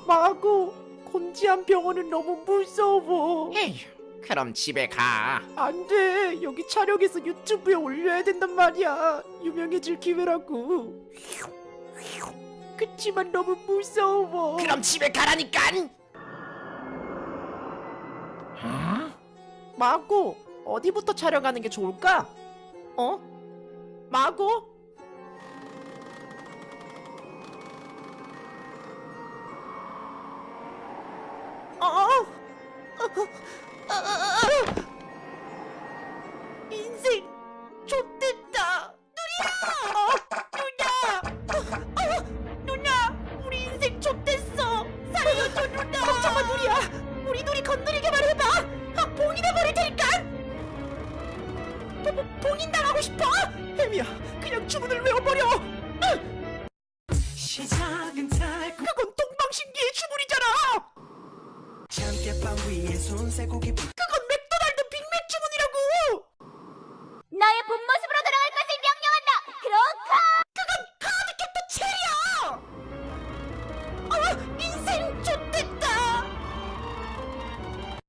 마고, 곤지암 병원은 너무 무서워. 에휴, 그럼 집에 가. 안 돼. 여기 촬영해서 유튜브에 올려야 된단 말이야. 유명해질 기회라고. 그치만 너무 무서워. 그럼 집에 가라니깐. 마고, 어디부터 촬영하는 게 좋을까? 마고? 인생 좆됐다. 누나, 우리 인생 좆됐어. 살려줘 누나. 걱정 마 누리야. 우리 누리 건드리기만 해봐. 봉인해버릴 테니까. 봉인당하고 싶어? 혜미야, 그냥 주문을 외워버려. 시작은 달콤 그건 동방신기의 주문이잖아. 참깨빵 위에 순세고기